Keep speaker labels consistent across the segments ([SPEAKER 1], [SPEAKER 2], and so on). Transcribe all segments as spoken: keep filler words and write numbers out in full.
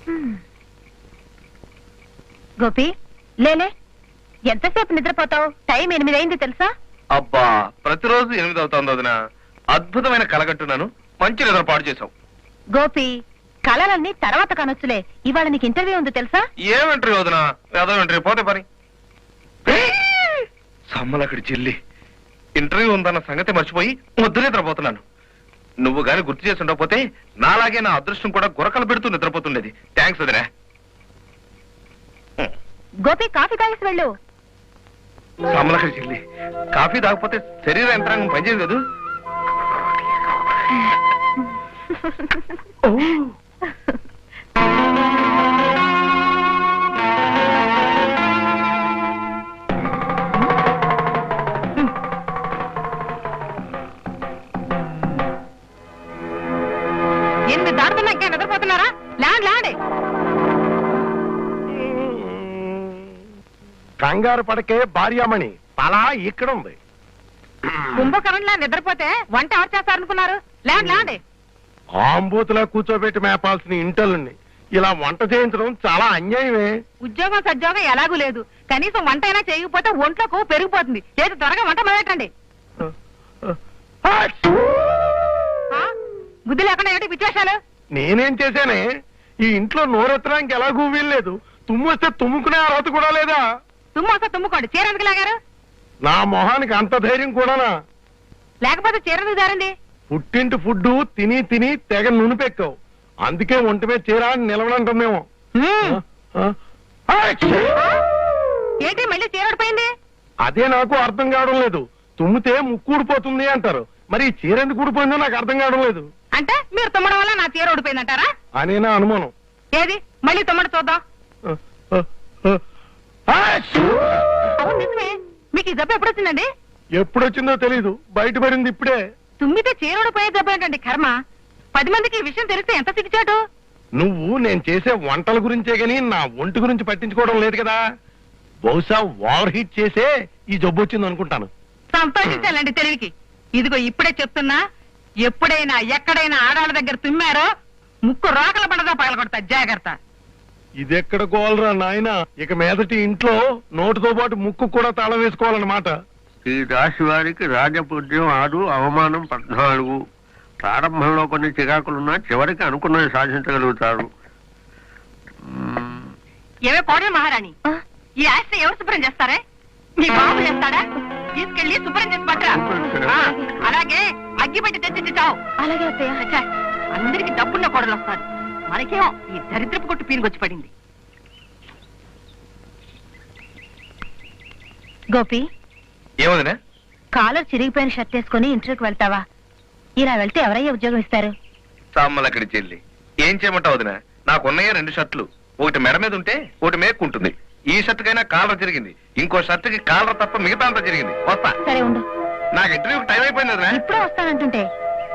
[SPEAKER 1] గోపి లేలే, ఎంతసేపు నిద్రపోతావు? టైం ఎనిమిది అయింది తెలుసా?
[SPEAKER 2] అబ్బా, ప్రతిరోజు ఎనిమిది అవుతుంది వదిన. అద్భుతమైన కలగంటున్నాను, మంచి నిద్ర పాడు చేసావు.
[SPEAKER 1] గోపి, కళలన్నీ తర్వాత కనొచ్చులే. ఇవాళ నీకు ఇంటర్వ్యూ ఉంది తెలుసా?
[SPEAKER 2] ఏమంటారు వదిన? ఏదో ఇంటర్వ్యూ పోతే పని. సమ్మలక్కడి చెల్లి, ఇంటర్వ్యూ ఉందన్న సంగతి మర్చిపోయి ముద్దు నిద్రపోతున్నాను. నువ్వు గాని గుర్తు చేసి ఉండకపోతే నాలాగే నా అదృష్టం కూడా గురకలు పెడుతూ నిద్రపోతుండేది. థ్యాంక్స్ వదినా.
[SPEAKER 1] గోపి, కాఫీ తాగేసి వెళ్ళు.
[SPEAKER 2] సమ్మలక్కడి చెల్లి, కాఫీ తాగకపోతే శరీర యంత్రాంగం పనిచేయదు కదా.
[SPEAKER 1] ఎనిమిది దాటుతున్నా ఇంకా నిద్రపోతున్నారా? ల్యాండ్ ల్యాండ్
[SPEAKER 3] కంగారు పడకే భార్యామణి, తలా ఇక్కడ ఉంది.
[SPEAKER 1] కుంభకరణ్లా నిద్రపోతే వంట ఎవరు చేస్తారనుకున్నారు? ల్యాండ్ ల్యాండ్
[SPEAKER 3] ఆంబూతులా కూర్చోబెట్టి మేపాల్సిన ఇంటలుని ఇలా వంట చేయించడం చాలా అన్యాయమే.
[SPEAKER 1] ఉద్యోగం సద్యోగం ఎలాగూ లేదు, కనీసం వంట అయినా చేయకపోతే ఒంట్లోకి పెరిగిపోతుంది. లేదు, త్వరగా వంట మొదలెట్టండి. బుద్ధి లేకుండా ఏంటి విశేషాలు?
[SPEAKER 3] నేనేం చేశానే? ఈ ఇంట్లో నోరెత్తడానికి ఎలాగూ వీల్లేదు. తుమ్మొస్తే తుమ్ముకునే అర్హత కూడా లేదా?
[SPEAKER 1] తుమ్మొస్తే తుమ్ముకోండి. చీర ఎందుకు లాగారు?
[SPEAKER 3] నా మొహానికి అంత ధైర్యం కూడానా?
[SPEAKER 1] లేకపోతే చీర ఎందుకు జారింది?
[SPEAKER 3] పుట్టింటి ఫుడ్ తిని తిని తెగ నునిపెక్కావు, అందుకే ఒంటి మీద చీర నిలవనంటుందేమో.
[SPEAKER 1] ఏంటి మళ్ళీ చీర ఊడిపోయింది?
[SPEAKER 3] అదే నాకు అర్థం కావడం లేదు. తుమ్మితే ముక్కు ఊడిపోతుంది అంటారు, మరి ఈ చీర ఎందుకు ఊడిపోయిందో నాకు అర్థం కావడం లేదు.
[SPEAKER 1] అంటే మీరు తుమ్మడం వల్ల నా చీర ఊడిపోయిందంటారా?
[SPEAKER 3] అనే నా అనుమానం.
[SPEAKER 1] ఏది మళ్ళీ తుమ్మడి చూద్దాం. అవును నిజమే. మీకు ఈ జబ్బు ఎప్పుడు వచ్చిందండి?
[SPEAKER 3] ఎప్పుడొచ్చిందో తెలీదు, బయటపడింది ఇప్పుడే.
[SPEAKER 1] తుమ్మితే చీర ఊడిపోయే జబ్బు ఏంటండి కర్మ? పది మందికి ఈ విషయం తెలిస్తే ఎంత సిగ్గుచాటు.
[SPEAKER 3] నువ్వు నేను చేసే వంటల గురించే గాని నా ఒంటి గురించి పట్టించుకోవడం లేదు కదా. బహుశా ఓవర్ హీట్ చేసే ఈ జబ్బు వచ్చింది అనుకుంటాను.
[SPEAKER 1] సంతోషించాలండి తెలివికి. ఇదిగో ఇప్పుడే చెప్తున్నా, ఎప్పుడైనా ఎక్కడైనా ఆడాళ్ళ దగ్గర తుమ్మారో ముక్కు రోకల పండదా పగలగొడతా, జాగ్రత్త.
[SPEAKER 3] ఇదెక్కడ గోలరా నాయన, ఇక మీదటి ఇంట్లో నోటితో పాటు ముక్కు కూడా తాళం వేసుకోవాలన్నమాట.
[SPEAKER 4] ఈ రాశి వారికి రాజపూజ్యం ఆరు, అవమానం పద్నాలుగు. ప్రారంభంలో కొన్ని చికాకులున్నా చివరికి అనుకున్నది సాధించగలుగుతారు.
[SPEAKER 1] ఏమే కోడల మహారాణి, ఈ ఆస్తి ఎవరు శుభ్రం చేస్తారే? మీ బాబు చేస్తాడా? తీసుకెళ్లి శుభ్రం చేసి పట్టరా. అలాగే అగ్గి పెట్టి తెచ్చి చావు. అలాగే అందరికి డబ్బున్న కోడలు వస్తారు, మనకేమో ఈ దరిద్రపు కొట్టు పీనుకొచ్చి పడింది. గోపి,
[SPEAKER 2] ఏమదినా?
[SPEAKER 1] కాలర్ చిరిగిపోయిన షర్ట్ వేసుకుని ఇంటర్వ్యూకి వెళ్తావా? ఇలా వెళ్తే ఎవరయ్యా ఉద్యోగం ఇస్తారు?
[SPEAKER 2] సమ్మలక్కడి చెల్లి, ఏం చేయమంటావు వదినా? నాకున్నాయే రెండు షర్ట్లు, ఒకటి మెడ మీద ఉంటే ఒకటి మేక్కుంటుంది. ఈ షర్ట్ కైనా కాలర్ జరిగింది, ఇంకో షర్ట్ కి కాలర్ తప్ప మిగతా అంతా జరిగింది. వస్తా.
[SPEAKER 1] సరే ఉండు,
[SPEAKER 2] నాకు ఇంటర్వ్యూకి టైం అయిపోయింది వదినా.
[SPEAKER 1] ఇప్పుడే వస్తానంటుంటే.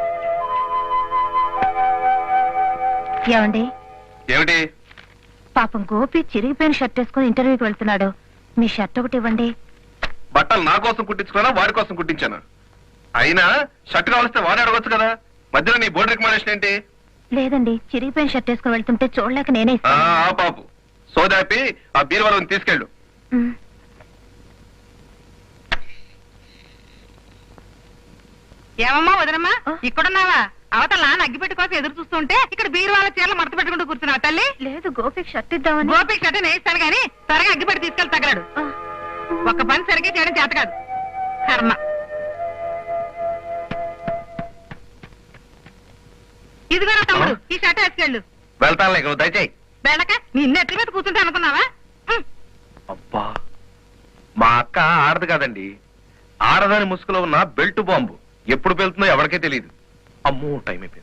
[SPEAKER 1] ఏమండి?
[SPEAKER 2] ఏమిటి?
[SPEAKER 1] పాపం గోపి చిరిగిపోయిన షర్ట్ వేసుకుని ఇంటర్వ్యూకి వెళ్తున్నాడు, మీ షర్ట్ ఒకటి ఇవ్వండి.
[SPEAKER 2] బట్టలు నా కోసం కుట్టించుకున్నా వాడి కోసం కుట్టించాను? అయినా షర్ట్ కావలిస్తే వాడే అడగొచ్చు కదా, మధ్యలో నీ బోర్డు రికమెండేషన్ ఏంటి?
[SPEAKER 1] లేదండి, చిరిగిపోయిన షర్ట్ వేసుకుని వెళ్తుంటే చూడలేక నేనే
[SPEAKER 2] ఆ పాపు సోదాపి ఆ బీరువాళ్ళని తీసుకెళ్ళు.
[SPEAKER 1] ఏమమ్మా వదనమ్మా, ఇక్కడున్నావా? అవతల నాన్న అగ్గిపెట్టి కోసం ఎదురు చూస్తుంటే ఇక్కడ బీరువాళ్ళ చీరలు మడత పెట్టుకుంటూ కూర్చున్నావు తల్లి. లేదు, గోపికి షర్ట్ ఇద్దామని. గోపికి షర్ట్ నేస్తాను గానీ త్వరగా అగ్గిపెట్టి తీసుకెళ్ళి తగలడు. ఒక పని సరిగ్గా చేయడం చేత కాదు, కర్మ. ఇదిగో తమ్ముడు, ఈ షర్ట్ వేసుకెళ్ళు.
[SPEAKER 2] వెళ్తాను, నువ్వు దయచేయి.
[SPEAKER 1] వెళ్ళక నిన్న ఎత్తి మీద కూర్చుంటే అనుకున్నావా?
[SPEAKER 2] అబ్బా, మా అక్క ఆడదు కాదండి, ఆడదాని ముసుగులో ఉన్న బెల్ట్ బాంబు. ఎప్పుడు వెళ్తుందో ఎవరికే తెలియదు. అమ్మో, టైం అయిపోయింది.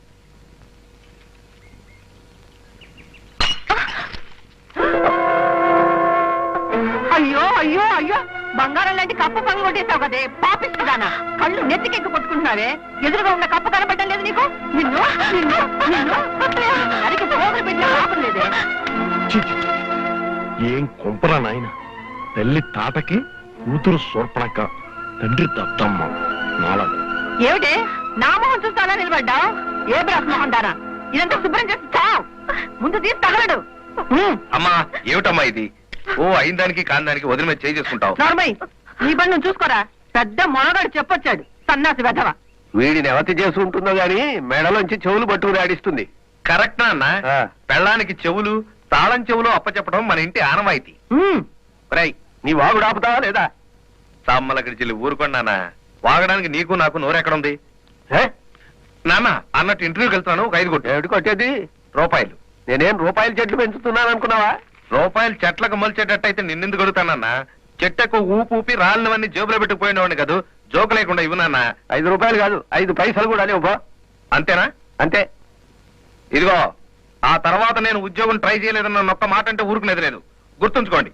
[SPEAKER 1] అయ్యో అయ్యో అయ్యో, బంగారం లాంటి కప్పు పని కొట్టేసావు కదే పాపిస్తుదానా. కళ్ళు నెత్తికెక్కి కొట్టుకుంటున్నావే, ఎదురుగా ఉన్న కప్పు కనబడ్డం లేదు నీకు? నిన్ను నిన్ను నిన్ను అరికి పోగులు పెట్టిన పాపం లేదే.
[SPEAKER 3] ఏం కొంపరా నాయన, తల్లి తాటకి కూతురు సోర్పణక, తండ్రి దత్తమ్మ నాలా.
[SPEAKER 1] ఏమిటి నా మొహం చూస్తానా నిలబడ్డావు? ఏ బ్రహ్మోహం దానా, ఇదంతా శుభ్రం చేసి చావు. ముందు తీసి తగలడు.
[SPEAKER 2] అమ్మా ఏమిటమ్మా ఇది? ఓ అయిన దానికి కాని దానికి వదిలి మీద చేయి చేసుకుంటావు.
[SPEAKER 1] నార్మల్ నీ బండి నువ్వు చూసుకోరా. పెద్ద మొనగాడు చెప్పొచ్చాడు సన్నాసి వెధవ.
[SPEAKER 4] వీడిని ఎవతి చేసి ఉంటుందో గాని మెడలోంచి చెవులు పట్టుకుని ఆడిస్తుంది.
[SPEAKER 2] కరెక్ట్ అన్న.
[SPEAKER 4] ఆ.
[SPEAKER 2] పెళ్ళానికి చెవులు తాళం చెవులు అప్పచెప్పడం మన ఇంటి ఆనవాయితీ.
[SPEAKER 4] రై నీ వాగుడు ఆపుతావా లేదా?
[SPEAKER 2] సమ్మలక్కడి చెల్లి ఊరుకున్నానా? వాగడానికి నీకు నాకు నోరెక్కడుంది?
[SPEAKER 4] హే?
[SPEAKER 2] నాన్న అన్నట్టు ఇంటర్వ్యూకి వెళ్తున్నాను, ఒక ఐదు కొట్టు.
[SPEAKER 4] ఏమిటి కొట్టేది?
[SPEAKER 2] రూపాయలు.
[SPEAKER 4] నేనేం రూపాయల చెట్లు పెంచుతున్నాను అనుకున్నావా?
[SPEAKER 2] రూపాయలు చెట్లకు మొలిచేటట్టయితే నిన్నెందుకు అడుగుతానన్నా? చెట్టకు ఊపు ఊపి రాళ్ళవన్నీ జేబులో పెట్టుకుపోయినవాడిని కాదు. జోకు లేకుండా ఇవ్వు నాన్న.
[SPEAKER 4] ఐదు రూపాయలు కాదు ఐదు పైసలు కూడా లేవు.
[SPEAKER 2] అంతేనా?
[SPEAKER 4] అంతే.
[SPEAKER 2] ఇదిగో ఆ తర్వాత నేను ఉద్యోగం ట్రై చేయలేదన్న ఒక్క మాట అంటే ఊరుకునేది లేదు, గుర్తుంచుకోండి.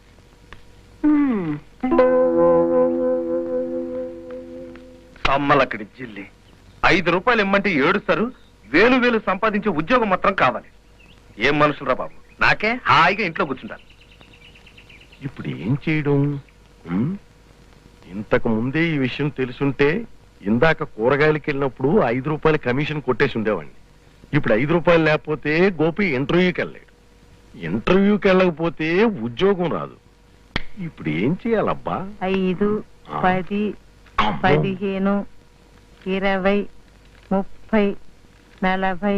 [SPEAKER 2] సమ్మలక్కడి జిల్లి ఐదు రూపాయలు ఇమ్మంటే ఏడుస్తారు. వేలు వేలు సంపాదించే ఉద్యోగం మాత్రం కావాలి. ఏం మనుషులరా బాబు. నాకే హాయిగా ఇంట్లో కూర్చుంటారు.
[SPEAKER 3] ఇప్పుడు ఏం చేయడం? ఉమ్? ఇంతకు ముందే ఈ విషయం తెలుసుంటే ఇందాక కూరగాయలకి వెళ్ళినప్పుడు ఐదు రూపాయల కమిషన్ కొట్టేసి ఉండేవాడిని. ఇప్పుడు ఐదు రూపాయలు లేకపోతే గోపి ఇంటర్వ్యూకి వెళ్ళాడు. ఇంటర్వ్యూకి వెళ్ళకపోతే ఉద్యోగం రాదు. ఇప్పుడు ఏం చేయాలబ్బా?
[SPEAKER 1] ఐదు పది
[SPEAKER 3] అమ్మో.
[SPEAKER 1] పదిహేను ఇరవై ముప్పై నలభై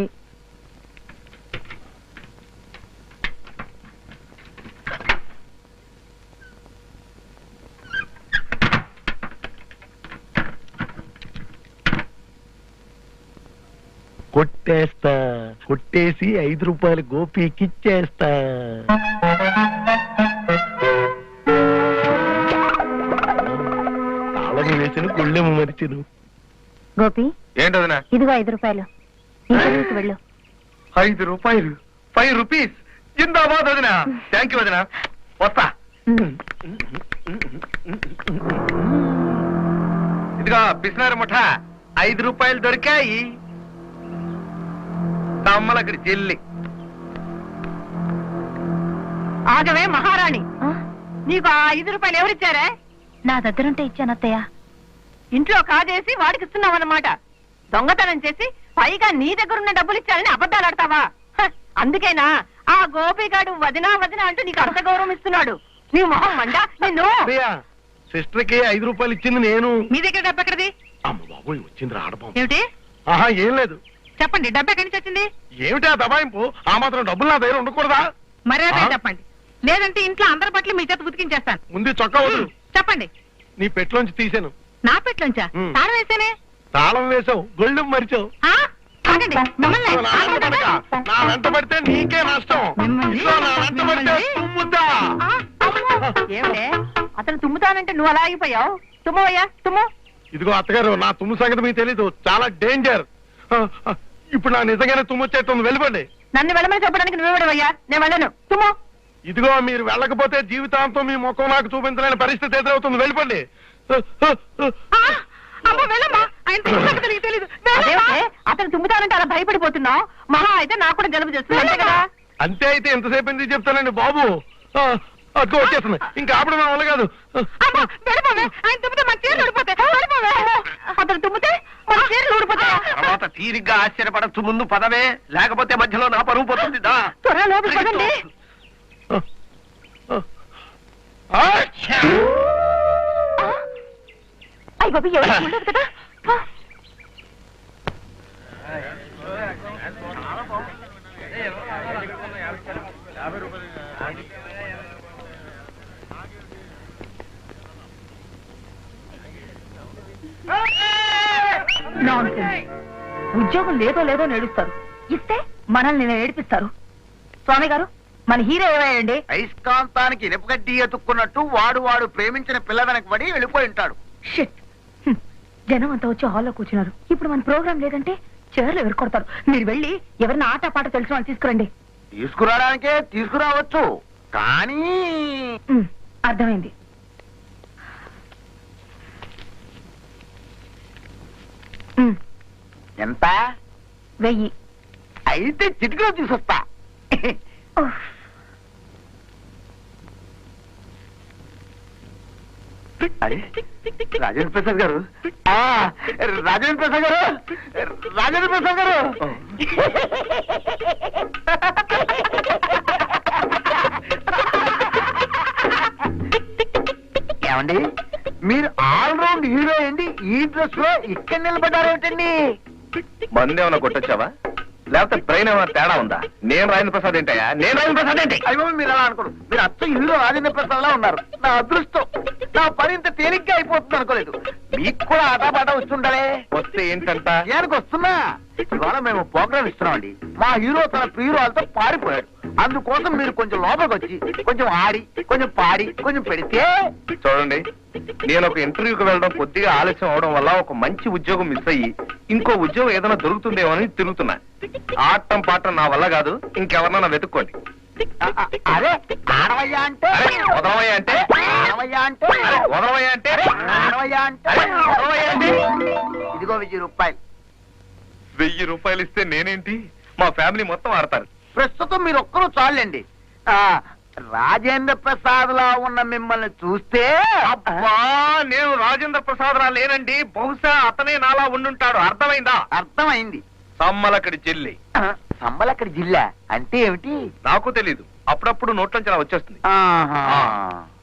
[SPEAKER 3] కొట్టేస్తా. కొట్టేసి ఐదు రూపాయలు గోపికి ఇచ్చేస్తా. తాళం వేసిన గుళ్ళెము మరిచిను.
[SPEAKER 5] గోపి
[SPEAKER 2] ఏంటదినా?
[SPEAKER 5] ఇదిగో ఐదు రూపాయలు ఇంటర్వ్యూకి వెళ్ళు.
[SPEAKER 2] ఐదు రూపాయలు ఫైవ్ రూపీస్. జిందాబాద్ వదినా. థ్యాంక్ యూ వదినా. వస్తా. ఇదిగో పిసినారు ముఠ ఐదు రూపాయలు దొరికాయి. తమ్మలక్కడి చెల్లి.
[SPEAKER 1] ఆగవే మహారాణి,
[SPEAKER 5] ఆ?
[SPEAKER 1] నీకు ఆ ఐదు రూపాయలు ఎవరిచ్చారే?
[SPEAKER 5] నా దగ్గరుంటే ఇచ్చాను అత్తయ్య.
[SPEAKER 1] ఇంట్లో కాజేసి వాడికి ఇస్తున్నావు అన్నమాట. దొంగతనం చేసి పైగా నీ దగ్గరున్న డబ్బులు ఇచ్చారని అబద్ధాలు ఆడతావా? హ, అందుకేనా ఆ గోపిగాడు వదినా వదినా అంటూ నీకు అంత గౌరవం ఇస్తున్నాడు. నీ మొహం మండ నిన్ను.
[SPEAKER 3] సిస్టర్ కి ఐదు రూపాయలు ఇచ్చింది నేను.
[SPEAKER 1] మీ దగ్గర డబ్బు ఎక్కడిది?
[SPEAKER 3] అమ్మ బాబోయ్ వచ్చింది రాడబాబు.
[SPEAKER 1] ఏమిటి?
[SPEAKER 3] ఆహా ఏం లేదు.
[SPEAKER 1] చెప్పండి, డబ్బు ఎక్కడి నుంచి వచ్చింది?
[SPEAKER 3] ఏమిటా దబాయింపు? ఆ మాత్రం డబ్బులు నా దగ్గర ఉండకూడదా?
[SPEAKER 1] మర్యాద
[SPEAKER 3] ఆ?
[SPEAKER 1] చెప్పండి, లేదంటే ఇంట్లో అందరి పట్ల మీ చేత ఉతికించేస్తాను.
[SPEAKER 3] ముందు చొక్కా వదులు.
[SPEAKER 1] చెప్పండి.
[SPEAKER 3] నీ పెట్లోంచి తీసాను.
[SPEAKER 1] నా పెట్లోంచా?
[SPEAKER 3] ఉమ్.
[SPEAKER 1] తాళం వేసేనే.
[SPEAKER 3] తాళం వేసావు, గొళ్ళు మరిచావు.
[SPEAKER 1] ఆ? ఆగండి, మిమ్మల్ని.
[SPEAKER 3] నా వెంట పడక. నా వెంట పడితే నీకే నష్టం.
[SPEAKER 1] మిమ్మల్ని?
[SPEAKER 3] ఇదిగో నా వెంట పడితే
[SPEAKER 1] మిమ్మల్ని?
[SPEAKER 3] తుమ్ముద్దా.
[SPEAKER 1] ఆ, అమ్మో. ఏమిటే అతను తుమ్ముతానంటే నువ్వు అలా ఆగిపోయావు? తుమ్మవయ్యా తుమ్ము.
[SPEAKER 3] ఇదిగో అత్తగారు, నా తుమ్ము సంగతి మీకు తెలీదు, చాలా డేంజర్. ఆ, ఆ, ఇప్పుడు నా నిజంగానే తుమ్ము వచ్చేస్తుంది, వెళ్ళిపోండి.
[SPEAKER 1] నన్ను వెళ్ళమని చెప్పడానికి నువ్వెవడవయ్యా? నేను వెళ్ళను, తుమ్ము.
[SPEAKER 3] ఇదిగో మీరు వెళ్ళకపోతే జీవితాంతం మీ ముఖం నాకు చూపించలేని పరిస్థితి ఎదురవుతుంది, వెళ్ళిపోండి. ఆ, ఆ, ఆ.
[SPEAKER 1] ఆ, అమ్మో, వెళ్ళమ్మా. ఆయన తుమ్ముతానంటే నీకు తెలీదు. అదేమిటే అతను తుమ్ముతానంటే అలా భయపడిపోతున్నావు? మహా అయితే నాకు కూడా జలుబు చేస్తుంది, అంతే కదా?
[SPEAKER 3] అంతే అయితే ఎంతసేపు ఎందుకు చెప్తానండి బాబు. ఆ, అదిగో వచ్చేస్తుంది, ఇంకా ఆపడం నా వల్ల కాదు.
[SPEAKER 1] అమ్మా, వెళ్ళిపోవే. ఆయన తుమ్మితే మన చీరలు ఊడిపోతాయి. వెళ్ళిపోవే. అతను తుమ్మితే మన చీరలు ఊడిపోతాయా?
[SPEAKER 4] తర్వాత తీరిగ్గా ఆశ్చర్యపడచ్చు. ముందు పదవే, లేకపోతే మధ్యలో నా పరువు పోతుంది. దా.
[SPEAKER 1] త్వరగా లోపలికి పదండి.
[SPEAKER 3] ఆ, ఆ.
[SPEAKER 5] అయ్య బాబు ఎవరు ఉండదు కదా. ఆ.
[SPEAKER 1] Nonsense. ఉద్యోగం లేదో లేదో నేడుస్తారు, ఇస్తే మనల్ని ఏడిపిస్తారు. స్వామి గారు, మన హీరో ఏమయ్యండి?
[SPEAKER 6] అయస్కాంతానికి ఇనుపగడ్డి ఎత్తుక్కున్నట్టు వాడు వాడు ప్రేమించిన పిల్ల వెనక పడి వెళ్ళిపోయి ఉంటాడు.
[SPEAKER 5] షిట్. హ్మ్. జనం అంతా వచ్చి హాల్లో కూర్చున్నారు. ఇప్పుడు మన ప్రోగ్రామ్ లేదంటే చీరలు ఎదుర్కొడతారు. మీరు వెళ్ళి ఎవరిని ఆట పాట తెలిసిన వాళ్ళు తీసుకురండి.
[SPEAKER 6] తీసుకురావడానికే తీసుకురావచ్చు, కానీ
[SPEAKER 5] హ్మ్. అర్థమైంది. హ్మ్.
[SPEAKER 6] ఎంత?
[SPEAKER 5] వెయ్యి.
[SPEAKER 6] అయితే చిటికలో తీసుకొస్తా.
[SPEAKER 5] ఉఫ్.
[SPEAKER 6] అరే, రాజేంద్ర ప్రసాద్ గారు. ఆ, రాజేంద్ర ప్రసాద్ గారు, రాజేంద్ర ప్రసాద్ గారు. డ్రెస్ లో ఇక్కడ నిలబడ్డారేమిటండి?
[SPEAKER 2] మందు ఏమైనా కొట్టొచ్చావా లేకపోతే బ్రెయిన్ ఏమైనా తేడా ఉందా? నేను రాజేంద్ర ప్రసాద్ ఏంటయ్యా? నేను రాజేంద్ర ప్రసాద్ ఏంటి?
[SPEAKER 6] అయ్యో మీరు అలా అనుకోరు, మీరు అచ్చ హీరో రాజేంద్ర ప్రసాద్ లా ఉన్నారు. నా అదృష్టం, నా పని ఇంత తేలిగ్గా అయిపోతుంది అనుకోలేదు. మీకు కూడా ఆటపాట వస్తుండాలే.
[SPEAKER 2] వస్తే ఏంటంట?
[SPEAKER 6] ఏనికి వస్తున్నా? ఇవాళ మేము ప్రోగ్రామ్ ఇస్తున్నామండి. మా హీరో తన ప్రియురాలతో పారిపోయాడు. అందుకోసం మీరు కొంచెం లోపలికి వచ్చి కొంచెం ఆడి కొంచెం పాడి కొంచెం పెడితే.
[SPEAKER 2] చూడండి, నేను ఒక ఇంటర్వ్యూకి వెళ్ళడం కొద్దిగా ఆలస్యం అవడం వల్ల ఒక మంచి ఉద్యోగం మిస్ అయ్యి ఇంకో ఉద్యోగం ఏదైనా దొరుకుతుందేమో అని తిరుగుతున్నా. ఆటం పాటం నా వల్ల కాదు, ఇంకెవరన్నా వెతుక్కోండి.
[SPEAKER 6] అ- అ- అరే ఆడవయ్యా అంటే
[SPEAKER 2] అరే, వదలవయ్యా అంటే
[SPEAKER 6] ఆడవయ్యా అంటే
[SPEAKER 2] అరే, వదలవయ్యా అంటే
[SPEAKER 6] ఆడవయ్యా అంటే
[SPEAKER 2] అరే, వదలవయ్యా అంటే
[SPEAKER 6] ఇదిగో వెయ్యి రూపాయలు.
[SPEAKER 2] వెయ్యి రూపాయలు ఇస్తే నేనేంటి, మా ఫ్యామిలీ మొత్తం ఆడతారు.
[SPEAKER 6] ప్రస్తుతం మీరు ఒక్కరూ చాలండి. ఆ రాజేంద్ర ప్రసాద్ లా ఉన్న మిమ్మల్ని చూస్తే
[SPEAKER 2] అబ్బా, నేను రాజేంద్ర ప్రసాద్ రా లేనండి. బహుశా అతనే నాలా ఉండుంటాడు. అర్థమైందా?
[SPEAKER 6] అర్థమైంది.
[SPEAKER 2] సమ్మలక్కడి చెల్లి.
[SPEAKER 6] సంబలక్కడి జిల్లా అంటే ఏమిటి?
[SPEAKER 2] నాకు తెలీదు, అప్పుడప్పుడు నోట్లోంచి అలా వచ్చేస్తుంది.
[SPEAKER 6] ఆహా.